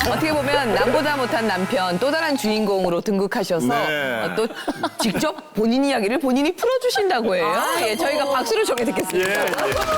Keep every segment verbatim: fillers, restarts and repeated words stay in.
어떻게 보면 남보다 못한 남편, 또 다른 주인공으로 등극하셔서 네. 어, 또 직접 본인 이야기를 본인이 풀어주신다고 해요. 예, 저희가 박수를 청해 예, 듣겠습니다. 예.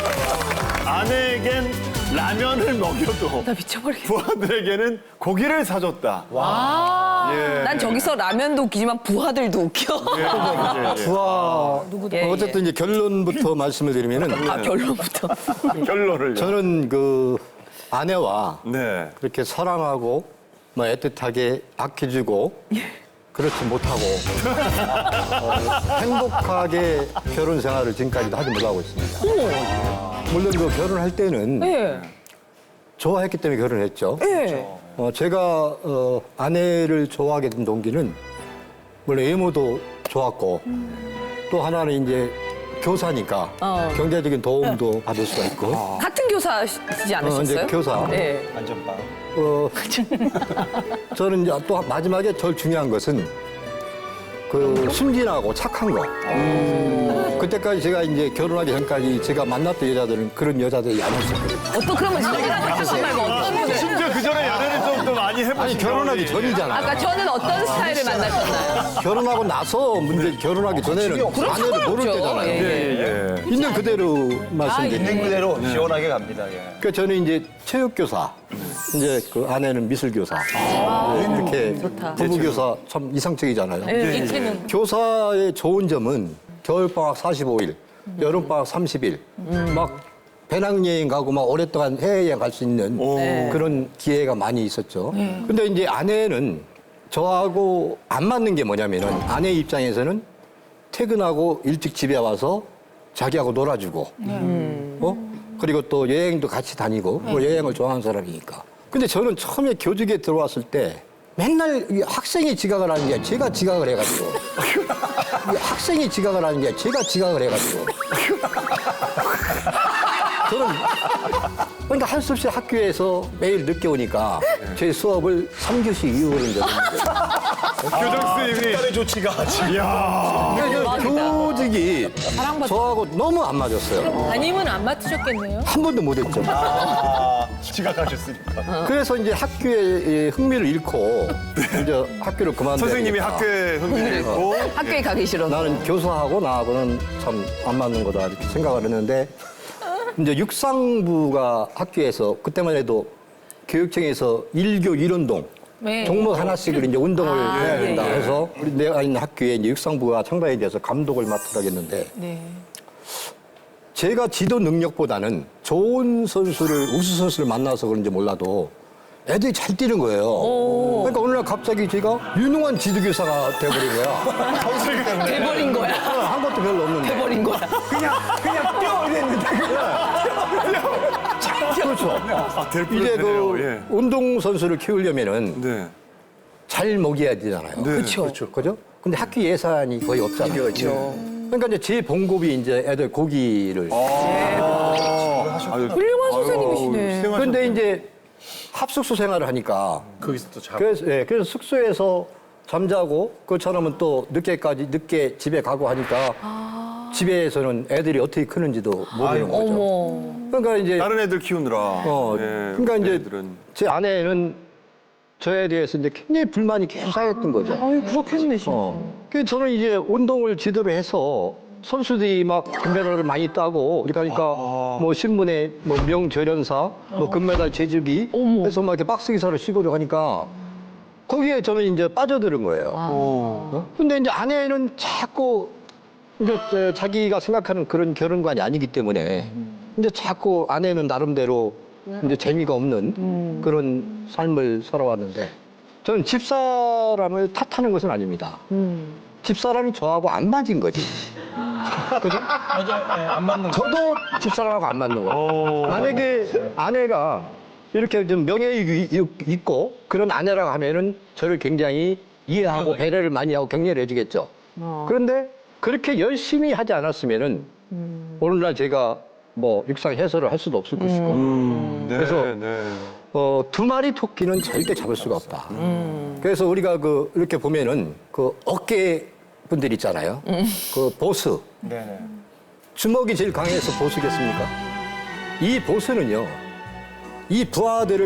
아내에겐 라면을 먹여도 나 미쳐버리겠어. 부하들에게는 고기를 사줬다. 와. 예. 난 저기서 라면도 웃기지만 부하들도 웃겨. 예, 예, 예. 부하 예, 어쨌든 이제 결론부터 말씀을 드리면은 아, 결론부터. 결론을. 저는 그 아내와 네. 그렇게 사랑하고 뭐 애틋하게 아껴주고 그렇지 못하고 어, 행복하게 결혼 생활을 지금까지도 하지 못하고 있습니다. 물론 그 결혼할 때는 예. 좋아했기 때문에 결혼했죠. 예. 어, 제가 어, 아내를 좋아하게 된 동기는 물론 외모도 좋았고 또 하나는 이제 교사니까 어. 경제적인 도움도 받을 수가 있고 같은 교사시지 어, 않으셨어요? 이제 교사. 예. 안전빵. 어, 저는 이제 또 마지막에 제일 중요한 것은 그 순진하고 착한 거. 그때까지 제가 이제 결혼하기 전까지 제가 만났던 여자들은 그런 여자들이 아니었어요. 어떤 그러면 순진하고 착한 말고 어떤 분을? 심지어 그 전에 연애를 좀 더 많이 해보신 아니 결혼하기 경험이. 전이잖아요. 아까 저는 어떤 스타일을 만나셨나요? 결혼하고 나서 문제 결혼하기 전에는 그럼 아내를 모를 상관없죠. 때잖아요. 예, 예, 예. 있는 그대로 말씀드립니다. 있는 그대로 시원하게 갑니다. 예. 그러니까 저는 이제 체육교사, 이제 그 아내는 미술교사. 네, 이렇게 부부교사 참 이상적이잖아요. 예, 이체는. 교사의 좋은 점은 겨울방학 사십오 일, 여름방학 삼십 일, 막 배낭여행 가고 막 오랫동안 해외여행 갈 수 있는 그런 기회가 많이 있었죠. 근데 이제 아내는 저하고 안 맞는 게 뭐냐면은 아내 입장에서는 퇴근하고 일찍 집에 와서 자기하고 놀아주고, 어? 그리고 또 여행도 같이 다니고, 뭐 여행을 좋아하는 사람이니까. 근데 저는 처음에 교직에 들어왔을 때 맨날 이 학생이 지각을 하는 게 제가 지각을 해가지고. 이 학생이 지각을 하는 게 제가 지각을 해가지고. 저는 그러니까 할 수 없이 학교에서 매일 늦게 오니까 제 수업을 삼 교시 이후로 적었는데. 교장 선생님이. 특별의 조치가 지금. 이야. 그러니까 교직이 저하고 너무 안 맞았어요. 담임은 안 맡으셨겠네요. 한 번도 못 했죠. 아, 지각하셨으니까. 그래서 이제 학교에 흥미를 잃고 이제 학교를 그만둬야 선생님이 되겠다. 학교에 흥미를 있고. 학교에 가기 싫어서. 나는 교사하고 나하고는 참 안 맞는 거다 이렇게 생각을 했는데 이제 육상부가 학교에서 그때만 해도 교육청에서 일교 일운동 네. 종목 하나씩을 이제 운동을 해야 예, 된다 예. 해서 우리 내가 있는 학교에 이제 육상부가 창단이 돼서 감독을 맡으라 했는데 네. 제가 지도 능력보다는 좋은 선수를 우수 선수를 만나서 그런지 몰라도 애들이 잘 뛰는 거예요. 그러니까 어느 날 갑자기 제가 유능한 지도교사가 돼버린 거야. 선생님 때문에. 돼버린 거야. 한 것도 별로 없는데. 돼버린 거야. 그냥 뛰어 이랬는데. 그렇죠. 아, 될 이제 뻔했네요. 그 예. 운동 선수를 키우려면은 네. 잘 먹여야 되잖아요. 네. 그렇죠. 그죠? 근데 학교 예산이 거의 없잖아요. 그렇죠. 그러니까 이제 제 봉급이 이제 애들 고기를. 훌륭한 선생님이시네. 그런데 이제 합숙소 생활을 하니까 거기서 또 자고. 그래서, 예, 그래서 숙소에서 잠자고 그처럼은 또 늦게까지 늦게 집에 가고 하니까 집에서는 애들이 어떻게 크는지도 모르는 거죠. 어머. 그러니까 이제 다른 애들 키우느라. 어, 예, 그러니까 이제 애들은. 제 아내는 저에 대해서 이제 굉장히 불만이 계속 쌓였던 거죠. 아유, 그렇겠네, 진짜. 어. 그래서 저는 이제 운동을 지도를 해서 선수들이 막 금메달을 많이 따고 그러니까 뭐 신문에 뭐 명절연사, 뭐 금메달 제주기 해서 막 이렇게 박스 기사를 씌우려 하니까 거기에 저는 이제 빠져드는 거예요. 어? 근데 이제 아내는 자꾸 이제 저 자기가 생각하는 그런 결혼관이 아니기 때문에 이제 자꾸 아내는 나름대로 이제 재미가 없는 그런 삶을 살아왔는데 저는 집사람을 탓하는 것은 아닙니다. 집사람이 저하고 안 맞은 거지. 그죠? 맞아요. 예, 안 맞는 거. 저도 집사람하고 안 맞는 거예요. 만약에 아내가 이렇게 좀 명예욕이 있고 그런 아내라고 하면은 저를 굉장히 이해하고 배려를 많이 하고 격려를 해주겠죠. 그런데 그렇게 열심히 하지 않았으면은 오늘날 제가 뭐 육상 해설을 할 수도 없을 것이고. 음, 네, 그래서 네. 어, 두 마리 토끼는 절대 잡을 수가 없다. 그래서 우리가 그 이렇게 보면은 그 어깨 분들 있잖아요. 그 보스. 네네. 주먹이 제일 강해서 보스겠습니까? 이 보스는요, 이 부하들을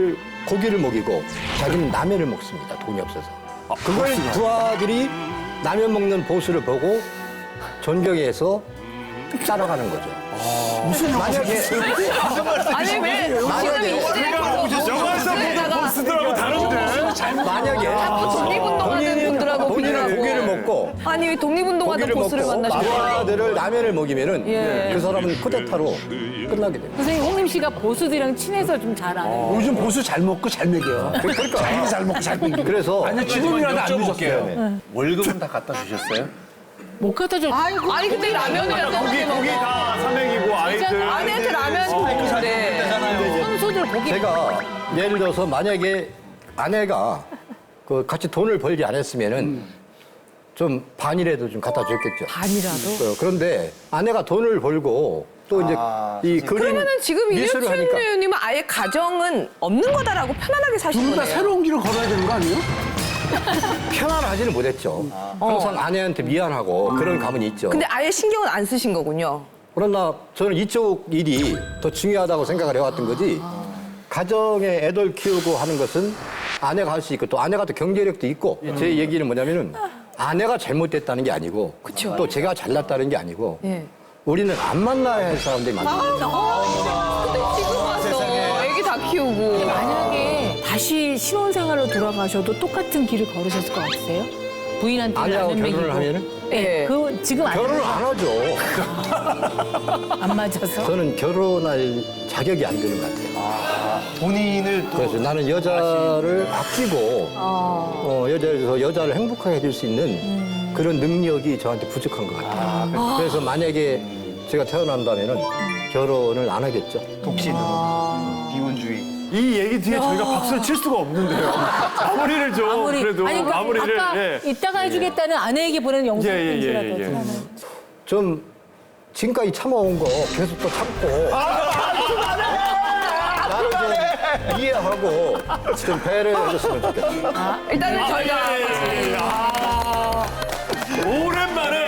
고기를 먹이고 자기는 라면을 먹습니다. 돈이 없어서. 그걸 두 아들이 라면 먹는 보수를 보고 존경해서 따라가는 거죠. 무슨 만약에 아니 왜 만약에 영화에서 보스들하고 다른데. 만약에 독립운동하는 분들하고 본인은 비교하고. 고기를 먹고 아니 왜 독립운동하던 고기를 보스를 먹고 만나시는 거예요? 아들을 라면을 먹이면은 예. 그 사람은 쿠데타로 끝나게 됩니다. 선생님 홍림 씨가 보수들이랑 친해서 좀 잘 아는 거. 요즘 보수 잘 먹고 잘 먹여. 그러니까 자기는 잘 먹고 잘 먹여. 그래서 아니 지금이라도 안 늦었어요. 월급은 다 갖다 주셨어요? 못 갖다 줘. 아니 근데 라면이라도 거기 어떻게 거기 먹어? 다 삼행이고 아이들. 아내한테 라면 먹는데. 선수들 보기. 제가 예를 들어서 만약에 아내가 그 같이 돈을 벌지 않았으면은 좀 반이라도 좀 갖다 줬겠죠. 반이라도. 어, 그런데 아내가 돈을 벌고 또 이제 아, 이 그림 그러면은 지금 미술을 이윤춘 하니까 의원님은 아예 가정은 없는 거다라고 편안하게 사신 둘 다 거네요. 새로운 길을 걸어야 되는 거 아니에요? 편안하지는 못했죠. 항상 아내한테 미안하고 그런 감은 있죠. 근데 아예 신경은 안 쓰신 거군요. 그러나 저는 이쪽 일이 더 중요하다고 생각을 해왔던 거지. 가정에 애들 키우고 하는 것은 아내가 할 수 있고 또 아내가 또 경제력도 있고 제 얘기는 뭐냐면은 아내가 잘못됐다는 게 아니고 그쵸. 또 제가 잘났다는 게 아니고 예. 우리는 안 만나야 할 사람들이 많아요. 근데 지금 와서 애기 다 키우고. 만약에 다시 신혼생활로 돌아가셔도 똑같은 길을 걸으셨을 것 같으세요? 부인한테 아내하고 라면 결혼을 먹이고. 하면은 예. 그 지금 안, 결혼을 안 하죠. 안 맞아서. 저는 결혼할 자격이 안 되는 것 같아요. 본인을 또 그래서 나는 여자를 아끼고 어, 여자에서 여자를 행복하게 해줄 수 있는 그런 능력이 저한테 부족한 것 같아요. 그래서 만약에 제가 태어난다면은 결혼을 안 하겠죠. 독신으로 비혼주의. 이 얘기 뒤에 저희가 박수를 칠 수가 없는데요. 마무리를 좀 아무리 그래도 아니 그 마무리를. 아까 예. 이따가 해주겠다는 아내에게 보내는 영상 예, 예, 편지라도 예, 예. 저는. 좀 지금까지 참아온 거 계속 또 참고 나를 좀 이해하고 좀 배려해 줬으면 좋겠어요. 일단은 저희가 예. 아, 오랜만에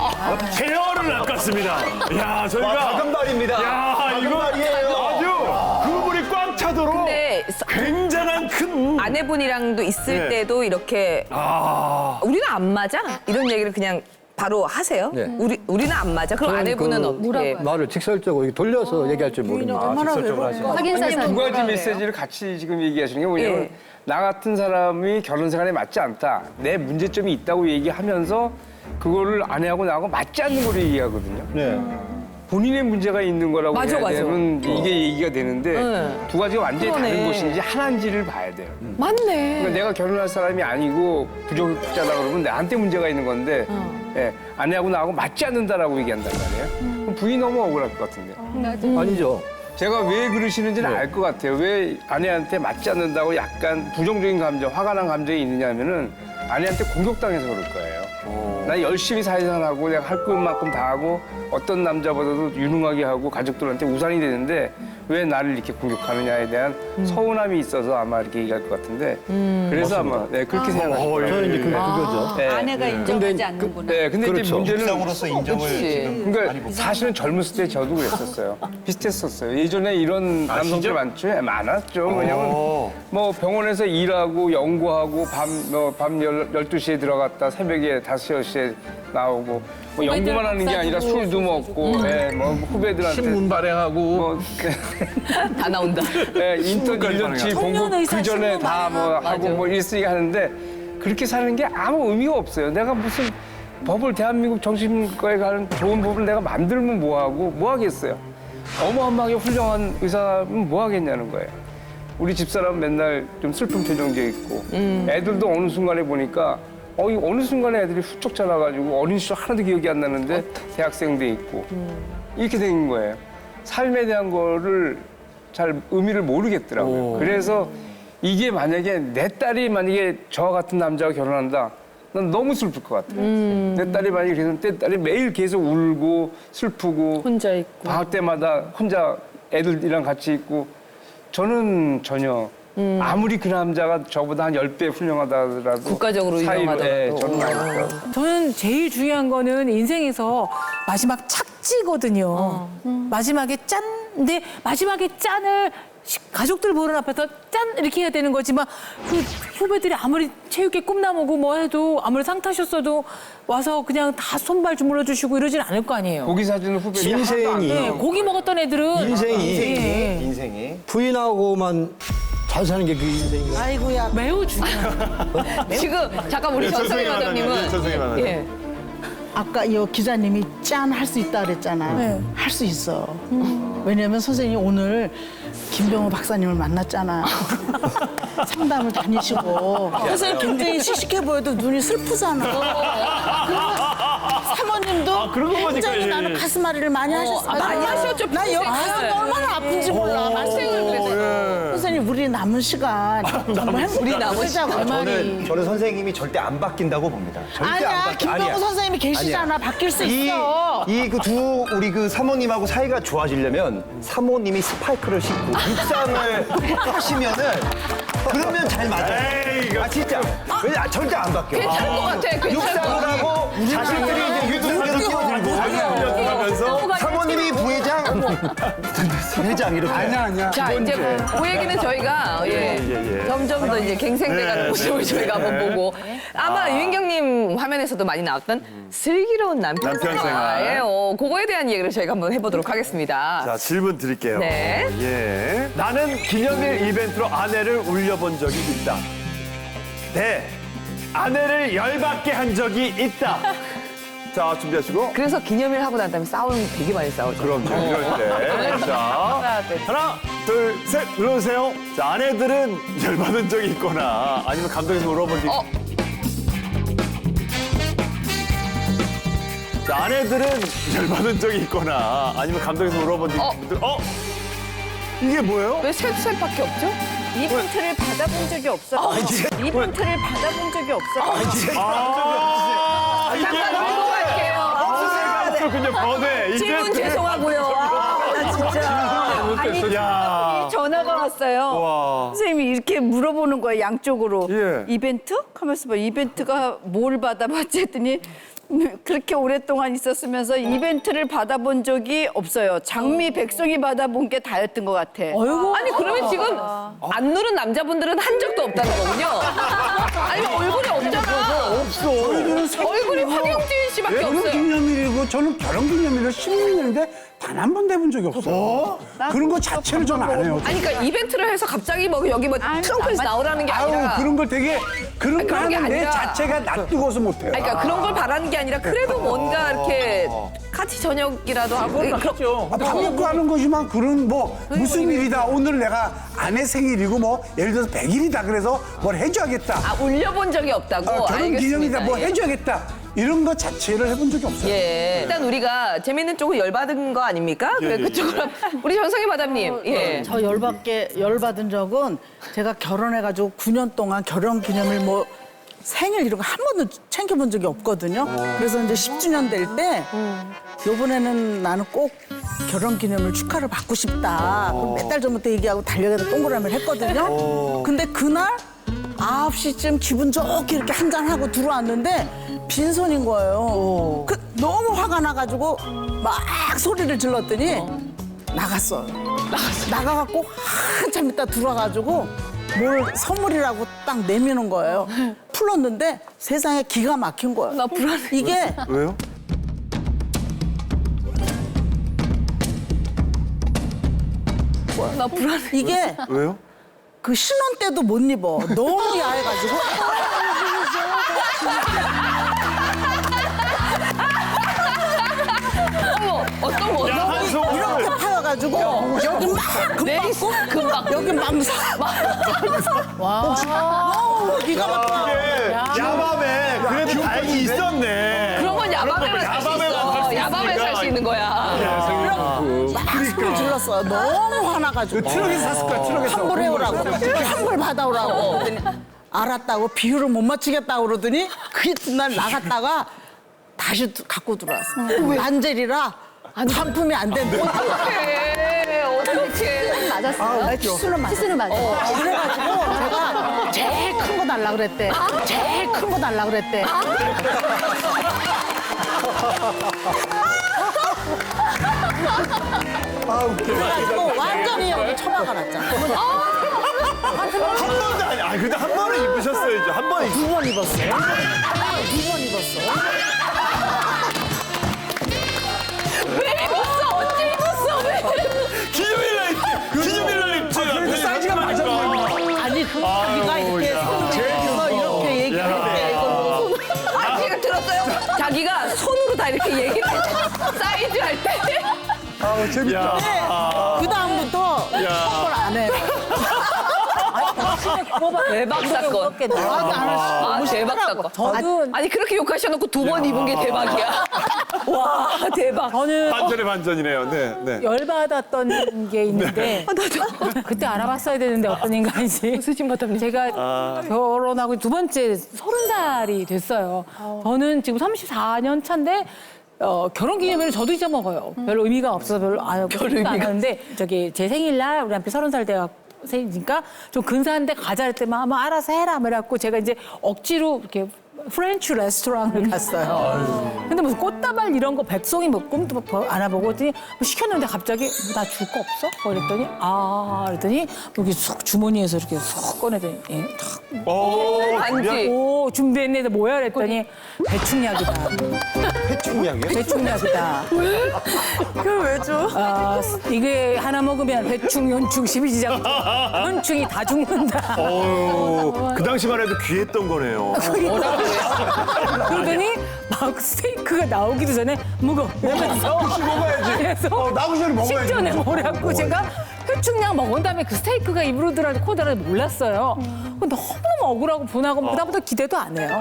제어를 낚았습니다. 야 저희가 가금발입니다. 야 이거 아주 그물이 꽉 차도록 근데 굉장한 큰 아내분이랑도 있을 네. 때도 이렇게 아. 우리는 안 맞아? 이런 얘기를 그냥 바로 하세요? 네. 우리 우리는 안 맞아? 그럼 저는 아내분은 그 어떻게? 말을 직설적으로 이렇게 돌려서 얘기할 줄 모릅니다. 얼마나 외로울까. 확인사에서 두 가지 메시지를 같이 지금 얘기하시는 게 뭐냐면 예. 나 같은 사람이 결혼 생활에 맞지 않다. 내 문제점이 있다고 얘기하면서 그거를 아내하고 나하고 맞지 않는 거를 얘기하거든요. 네. 본인의 문제가 있는 거라고 맞아, 해야 맞아. 되면 이게 얘기가 되는데 네. 두 가지가 완전히 그러네. 다른 것인지 하나인지를 봐야 돼요. 맞네. 그러니까 내가 결혼할 사람이 아니고 부족자다 그러면 나한테 문제가 있는 건데 예, 아내하고 나하고 맞지 않는다라고 얘기한단 말이에요. 그럼 부인이 너무 억울할 것 같은데. 아니죠. 제가 왜 그러시는지는 알 것 같아요. 왜 아내한테 맞지 않는다고 약간 부정적인 감정, 화가 난 감정이 있느냐면은 아내한테 공격당해서 그럴 거예요. 나 열심히 사회생활하고 내가 할 것만큼 다 하고 어떤 남자보다도 유능하게 하고 가족들한테 우산이 되는데 왜 나를 이렇게 공격하느냐에 대한 서운함이 있어서 아마 이렇게 얘기할 것 같은데 그래서 아마 네, 그렇게 생각하실 거예요. 저는 이제 그, 그거죠. 네. 아내가 인정하지 않는구나. 네, 근데 그렇죠. 이제 문제는 상으로서 인정을 지금 그러니까 사실은 젊었을 때 저도 그랬었어요. 비슷했었어요. 예전에 이런 남성들 많죠? 예, 많았죠. 왜냐면 뭐 병원에서 일하고 연구하고 밤, 뭐, 밤 열두 시에 들어갔다 새벽에 다섯 여시에 나오고 뭐 연구만 하는 게 아니라 술도 먹고 예, 뭐 후배들한테 신문 발행하고 뭐 다 나온다. 예, 인턴 일 년치 공부 청년의사 그 전에 신문 다 뭐 하고 맞아. 뭐 일쓰기가 하는데 그렇게 사는 게 아무 의미가 없어요. 내가 무슨 법을 대한민국 정신과에 가는 좋은 법을 내가 만들면 뭐 하고 뭐 하겠어요. 어마어마하게 훌륭한 의사는 뭐 하겠냐는 거예요. 우리 집사람 맨날 좀 슬픈 표정 지어 있고 애들도 어느 순간에 보니까 어, 이 어느 순간에 애들이 훌쩍 자라가지고 어린 시절 하나도 기억이 안 나는데 대학생 돼 있고 이렇게 된 거예요. 삶에 대한 거를 잘 의미를 모르겠더라고요. 그래서 이게 만약에 내 딸이 만약에 저 같은 남자와 결혼한다. 난 너무 슬플 것 같아요. 내 딸이 만약에 그래서 내 딸이 매일 계속 울고 슬프고 혼자 있고. 방학 때마다 혼자 애들이랑 같이 있고 저는 전혀 아무리 그 남자가 저보다 한 열 배 훌륭하다 하더라도 국가적으로 사이로, 유명하더라도. 예, 저는 아닐 것 같아요. 저는 제일 중요한 거는 인생에서 마지막 착지거든요. 마지막에 짠. 근데 마지막에 짠을 시- 가족들 보는 앞에서 짠 이렇게 해야 되는 거지만 그 후배들이 아무리 체육회 꿈나무고 뭐 해도 아무리 상 타셨어도 와서 그냥 다 손발 주물러 주시고 이러진 않을 거 아니에요. 고기 사주는 후배들이 인생이 하나도 안 네, 돼요. 고기 먹었던 애들은 인생이 예. 인생이 부인하고만 잘 사는 게 그 인생이에요. 아이고야. 매우 중요해요. 지금 잠깐 우리 전성희 마담님은 전성희 마담님. 예. 아까 이 기자님이 짠 할 수 있다 그랬잖아요. 네. 할 수 있어. 왜냐면 선생님이 오늘 김병호 박사님을 만났잖아요. 상담을 다니시고. 선생님 굉장히 씩씩해 보여도 눈이 슬프잖아. 그리고 사모님도 그런 거 보니까, 굉장히 예, 나는 예. 가슴앓이를 많이 하셨어요. 아, 많이 하셨죠, 나 평소에. 여기 가슴이 얼마나 아픈지 몰라. 말씀을 그랬어요. 선생님 우리 남은 시간 정말 우리 남은 행복하자고. 시간. 저는 저는 선생님이 절대 안 바뀐다고 봅니다. 절대 안 아니야, 바뀌. 김병호 선생님이 계시잖아. 바뀔 수 있어. 이 그 두 우리 그 사모님하고 사이가 좋아지려면 사모님이 스파이크를 신고 육상을 하시면은 그러면 잘 맞아요. 에이, 이거 아 진짜. 왜냐 절대 안 바뀌어. 괜찮을 것 같아. 괜찮을 것 육상을 같아. 하고 자식들이 이제 유튜브를 끼워들고 하면서 사모님이 부회장, 회장 이렇게. 아니야 아니야. 자, 이제 그 얘기는 저희가 예, 예, 예. 점점 더 이제 갱생돼가는 네, 모습을 네, 저희가 네. 한번 보고 아마 유인경님 화면에서도 많이 나왔던 슬기로운 남편, 남편 생활. 예, 어, 그거에 대한 얘기를 저희가 한번 해보도록 하겠습니다. 자, 질문 드릴게요. 네. 예. 나는 기념일 이벤트로 아내를 울려본 적이 있다. 네. 아내를 열받게 한 적이 있다. 자, 준비하시고. 그래서 기념일 하고 난 다음에 싸우는 게 되게 많이 싸우죠. 그럼요, 이럴 때. 자, 하나, 둘, 셋, 눌러주세요. 자, 아내들은 열받은 적이 있거나 아니면 감독에서 울어본 적이 어. 자, 아내들은 열받은 적이 있거나 아니면 감독에서 울어본 적이 어. 있거나 어? 이게 뭐예요? 왜 셋, 셋밖에 없죠? 이벤트를 받아본 적이 없어. 이벤트를 받아본 적이 없어. 아, 이게 잠깐 넘고 갈게요. 없었군요, 번외. 질문 죄송하고요. 아, 나 진짜. 야. 전화가 왔어요. 와. 선생님이 이렇게 물어보는 거예요, 양쪽으로. 예. 이벤트? 하면서 뭐 이벤트가 뭘 받아봤지 했더니 그렇게 오랫동안 있었으면서 이벤트를 받아본 적이 없어요. 장미, 백송이 받아본 게 다였던 것 같아. 어이구. 아니 그러면 지금 안 누른 남자분들은 한 적도 없다는 거군요. 아니 얼굴이 없잖아. 없어. 얼굴이 황영진 씨밖에 결혼 없어요. 기념일이고 저는 결혼 기념일을 십육 년인데 단 한 번 내본 적이 없어요. 그런 거 자체를 저는 안 해요. 아니 그러니까 이벤트를 해서 갑자기 뭐 여기 뭐 트렁크에서 나오라는 게 아유 아니라. 그런 걸 되게 그런 거 그런 게 하는데 아니라. 자체가 낯뜨거워서 못해요. 아니 그러니까 그런 걸 바라는 게 아니라 그래도 뭔가 이렇게 같이 저녁이라도 하고. 예, 그럼- 아, 밥 먹고 하는 거지만 그런 뭐 무슨 일이다 오늘 내가 아내 생일이고 뭐 예를 들어서 백 일이다 그래서 뭘 해줘야겠다. 아 울려본 적이 없다고. 어, 결혼 알겠습니다. 기념일이다 뭐 예. 해줘야겠다. 이런 거 자체를 해본 적이 없어요. 예. 일단 우리가 재밌는 쪽은 열받은 거 아닙니까? 그래, 그쪽으로 우리 전성희 마담님. 예. 저 열받게 열받은 적은 제가 결혼해가지고 구 년 동안 결혼 기념일 뭐 생일 이런 거 한 번도 챙겨본 적이 없거든요. 그래서 이제 십 주년 될 때 요번에는 나는 꼭 결혼 기념일 축하를 받고 싶다. 몇 달 전부터 얘기하고 달력에다 동그라미를 했거든요. 근데 그날 아홉 시쯤 기분 좋게 이렇게 한잔하고 들어왔는데 빈손인 거예요. 그 너무 화가 나가지고 막 소리를 질렀더니 나갔어요. 나가갖고 한참 있다 들어와가지고 뭘 선물이라고 딱 내미는 거예요. 풀었는데 세상에 기가 막힌 거예요. 나 불안해. 이게 왜요? 나 불안해. 이게 왜요? 그 신혼 때도 못 입어. 너무 야해가지고. 어머, 어떤 거? 야한 속을. 이렇게 파여가지고 여기 막 내리스 금박고 금박. 여기 망사. 와. 너무 기가 막혀. 이게 야밤에 그래도 다행히 있었네. 그런 건 야밤에만 살 수 야밤에만 살수 있어. 야밤에 살 수 있는 거야. 막 소리 질렀어요. 너무 화나가지고. 트럭에서 샀을 거야 트럭에서. 환불 해오라고. 환불 받아오라고. 그랬더니 알았다고 비율을 못 맞추겠다고 그러더니 그 이튿날 나갔다가 다시 두- 갖고 들어왔어. 난젤이라 반품이 안 된대. 어떡해. 어떡해. 맞았어요? 아, 치수는 맞아. 치수는 맞아. 그래가지고 제가 제일 큰 거 달라 그랬대. 제일 큰 거 달라 그랬대. 아, 웃겨. 또 완전히 여기 처박아 놨잖아. 한 번도 아니, 아, 근데 한 번은 입으셨어야죠. 한 번 입. 두 번 입었어요. 두 번 입었어요. 왜 입었어? 언제 입었어? 왜? 기념일 날 입지. 기념일 날 입지. 그래도 사이즈가 맞았네. 아니 그 자기가 이렇게 손으로 이렇게 얘기했는데 이걸 보고 아, 제가 들었어요? 자기가 손으로 다 이렇게 얘기를 해. 사이즈 할 때. 아, 재밌다. 그 다음부터 선물 안 해요. 대박 사건. 나한테 안 했어. 아, 대박 사건. 저도 아니, 그렇게 욕하셔놓고 두 번 입은 게 대박이야. 와, 대박. 저는 반전의 반전이네요. 네, 네. 열받았던 게 있는데 그때 알아봤어야 되는데 어떤 인간인지 제가 결혼하고 두 번째 서른 살이 됐어요. 저는 지금 삼십사 년 차인데 어, 결혼기념일을 저도 잊어먹어요. 별로 의미가 없어서 별로 안 하고 싶지도 않았는데 저기 제 생일날 우리 남편 서른 살 돼가 생이니까 좀 근사한데 가자 할 때만 뭐 알아서 해라 그래갖고 제가 이제 억지로 이렇게 프렌치 레스토랑을 갔어요. 근데 무슨 꽃다발 이런 거 백송이 뭐 꿈도 안아보고 그랬더니 뭐 시켰는데 갑자기 뭐 나 줄 거 없어? 뭐 그랬더니 아 그랬더니 여기 쑥 주머니에서 이렇게 쑥 꺼내더니 예, 탁. 오, 반지. 오 준비했네. 뭐야 그랬더니 배충약이다. 해충약이요? 배충약이다. 그걸 왜 줘? 아, 이게 하나 먹으면 배충, 연충, 십이지장 현충이 다 죽는다. 어, 그 당시만 해도 귀했던 거네요. 그러더니 막 스테이크가 나오기도 전에 먹어 이러면서 혹시 먹어야지. 그래서 어, 나오기 전에 먹어야지. 식전에 뭐라고 제가 회충약 먹은 다음에 그 스테이크가 입으로 들어가서 코 들어가서 몰랐어요. 너무너무 억울하고 분하고 그다음부터 기대도 안 해요.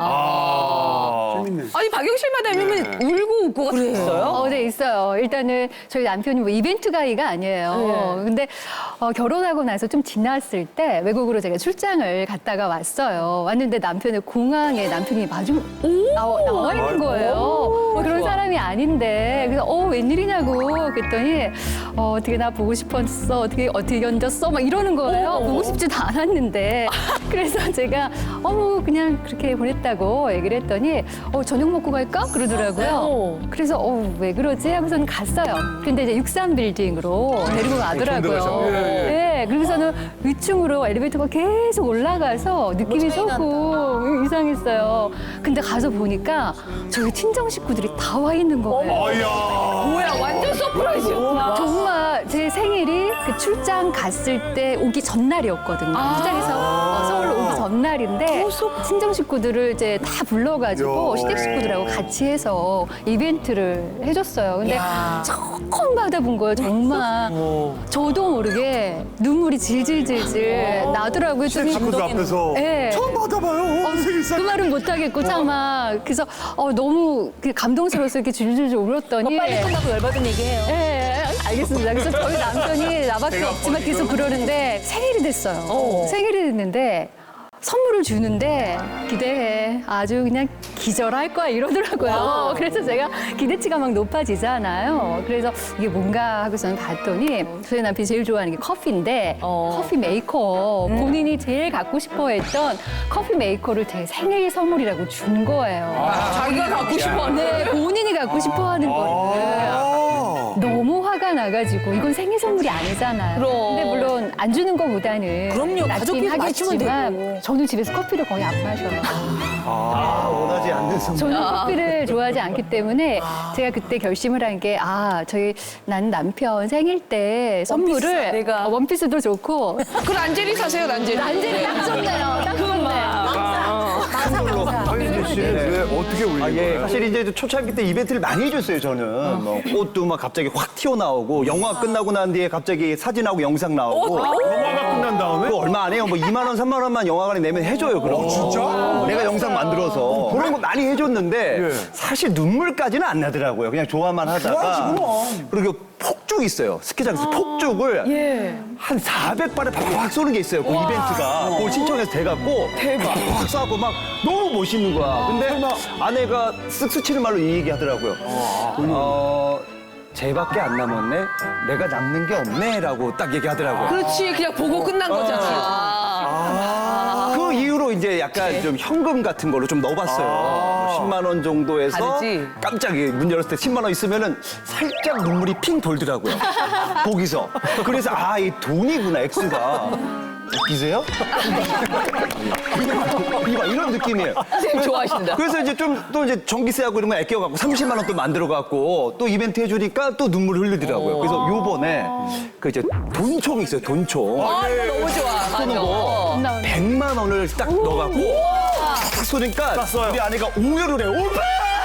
아. 재밌네. 아니, 박영실 마담님은 울고 웃고가 다 있어요? 어, 네, 있어요. 일단은 저희 남편이 뭐 이벤트 가이가 아니에요. 근데 어, 결혼하고 나서 좀 지났을 때 외국으로 제가 출장을 갔다가 왔어요. 왔는데 남편을 공항에 남편이 마중 나와, 나와 있는 거예요. 그런 사람이 아닌데 그래서 어 웬일이냐고 그랬더니 어, 어떻게 나 보고 싶었어 어떻게 어떻게 견뎠어 막 이러는 거예요. 보고 싶지도 않았는데 그래서 제가 어머 그냥 그렇게 보냈다고 얘기를 했더니 어 저녁 먹고 갈까 그러더라고요. 그래서 어 왜 그러지 하고서는 갔어요. 근데 이제 육십삼 빌딩으로 데리고 가더라고요. 네, 그래서는 위층으로 엘리베이터가 계속 올라가서 느낌이 조금 이상했어요. 근데 가서 보니까 저희 친정 식구들이 다 와 있는 거예요. 아야. 뭐야, 완전 서프라이즈. 정말 제 생일이 그 출장 갔을 때 오기 전날이었거든요. 출장에서 어, 서울로 오기 전날인데 친정 식구들을 이제 다 불러가지고 야. 시댁 식구들하고 같이 해서 이벤트를 해줬어요. 근데 처음 받아본 거예요, 정말. 저도 모르게 눈물이 질질질질 나더라고요. 시댁 식구들 앞에서 네. 처음 받아봐요. 생일상. 그 말은 못하겠고 차마 그래서 어, 너무 그 감동스러워서 이렇게 줄줄줄 울었더니 빨리 끝나고 열받은 얘기해요. 예, 알겠습니다. 그래서 저희 남편이 나밖에 없지만 계속 그러는데 생일이 됐어요. 생일이 됐는데 선물을 주는데 기대해. 아주 그냥 기절할 거야 이러더라고요. 그래서 제가 기대치가 막 높아지잖아요. 그래서 이게 뭔가 하고서는 봤더니 저희 남편이 제일 좋아하는 게 커피인데 커피 메이커 본인이 제일 갖고 싶어 했던 커피 메이커를 제 생일 선물이라고 준 거예요. 자기가 갖고 싶어. 네, 본인이 갖고 싶어 하는 거를. 너무 화가 나가지고 이건 생일 선물이 아니잖아요. 그럼. 근데 물론 안 주는 것보다는 그럼요. 낫긴 가족끼리 마시면 하겠지만 되고. 저는 집에서 커피를 거의 안 마셔요. 아, 원하지 않는 선물. 저는 커피를 좋아하지 않기 때문에 제가 그때 결심을 한 게 아 저희 나는 남편 생일 때 선물을 내가. 어, 원피스도 좋고 그 란제리 사세요, 란제리. 란제리 딱 좋네요. 딱 좋네요. 박인재 씨는 왜 어떻게 울린 아, 예. 거예요? 사실 이제 초창기 때 이벤트를 많이 해줬어요, 저는. 뭐 꽃도 막 갑자기 확 튀어나오고, 영화 끝나고 난 뒤에 갑자기 사진하고 영상 나오고. 영화가 끝난 다음에? 그거 얼마 안 해요. 뭐 이만 원, 삼만 원만 영화관에 내면 해줘요, 그럼. 진짜? 내가 영상 만들어서. 그런 거 많이 해줬는데, 예. 사실 눈물까지는 안 나더라고요. 그냥 좋아만 하다가. 그리고 폭죽 있어요. 스키장에서 폭죽을 한 사백 발에 팍팍 쏘는 게 있어요. 그 이벤트가. 그걸 신청해서 돼갖고. 대박. 팍 쏘고 막 너무 멋있는 거야. 근데 아내가 쓱쓱 치는 말로 이 얘기 하더라고요. 어, 쟤밖에 안 남았네? 내가 남는 게 없네? 라고 딱 얘기하더라고요. 그렇지, 그냥 보고 끝난 거잖아. 그 이후로 일부러 이제 약간 좀 현금 같은 걸로 좀 넣어봤어요. 십만 원 정도에서 다르지? 깜짝이 문 열었을 때 십만 원 있으면은 살짝 눈물이 핑 돌더라고요. 거기서. 그래서 아, 이 돈이구나, X가. 웃기세요? 이거 이런 느낌이에요. 선생님 좋아하신다. 그래서 이제 좀 또 이제 전기세하고 이런 거 아껴갖고 삼십만 원 또 만들어갖고 또 이벤트 해주니까 또 눈물 흘리더라고요. 그래서 요번에 그 이제 돈총이 있어요, 돈총. 아, 이거 너무 좋아. 쏘는 거 백만 원을 딱 넣어갖고 딱 쏘니까 쐈어요. 우리 아내가 옹열을 해요. 오빠!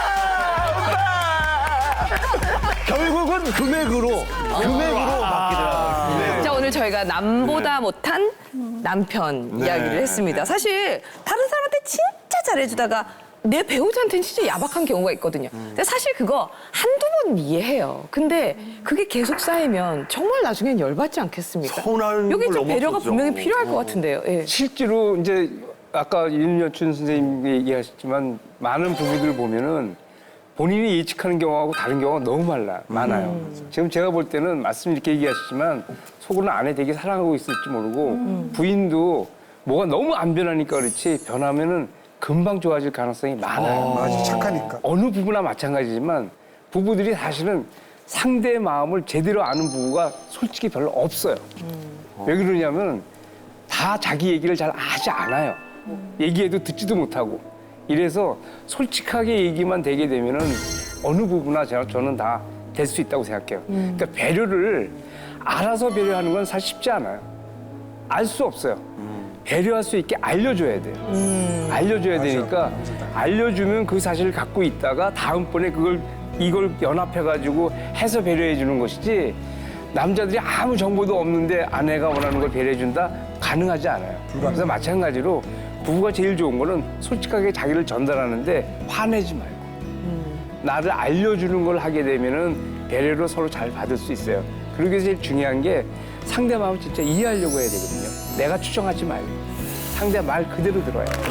오빠! 결국은 금액으로, 금액으로 바뀌더라고요. 자, 오늘 저희가 남보다 못한 남편 이야기를 했습니다. 사실 다른 사람한테 진짜 잘해주다가 내 배우자한테는 진짜 야박한 경우가 있거든요. 근데 사실 그거 한두 번 이해해요. 근데 그게 계속 쌓이면 정말 나중엔 열받지 않겠습니까? 서운한 여기 걸 좀 배려가 넘어섰죠. 분명히 필요할 것 같은데요. 예. 실제로 이제 아까 윤여춘 선생님이 얘기하셨지만 많은 부부들 보면은 본인이 예측하는 경우하고 다른 경우가 너무 많아, 많아요. 지금 제가 볼 때는 말씀 이렇게 얘기하시지만 속으로는 아내 되게 사랑하고 있을지 모르고 부인도 뭐가 너무 안 변하니까 그렇지 변하면은 금방 좋아질 가능성이 많아요. 맞아, 착하니까. 어느 부부나 마찬가지지만 부부들이 사실은 상대의 마음을 제대로 아는 부부가 솔직히 별로 없어요. 왜 그러냐면 다 자기 얘기를 잘 하지 않아요. 얘기해도 듣지도 못하고. 이래서 솔직하게 얘기만 되게 되면은 어느 부부나 제가 저는 다 될 수 있다고 생각해요. 그러니까 배려를 알아서 배려하는 건 사실 쉽지 않아요. 알 수 없어요. 배려할 수 있게 알려줘야 돼요. 알려줘야 되니까 알려주면 그 사실을 갖고 있다가 다음번에 그걸 이걸 연합해가지고 해서 배려해 주는 것이지 남자들이 아무 정보도 없는데 아내가 원하는 걸 배려해 준다? 가능하지 않아요. 그래서 마찬가지로 부부가 제일 좋은 거는 솔직하게 자기를 전달하는데 화내지 말고 나를 알려주는 걸 하게 되면은 배려를 서로 잘 받을 수 있어요. 그러기 위해서 제일 중요한 게 상대 마음을 진짜 이해하려고 해야 되거든요. 내가 추정하지 말고 상대 말 그대로 들어야 돼요.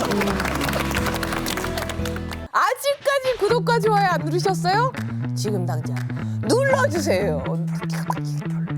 아직까지 구독과 좋아요 안 누르셨어요? 지금 당장 눌러주세요.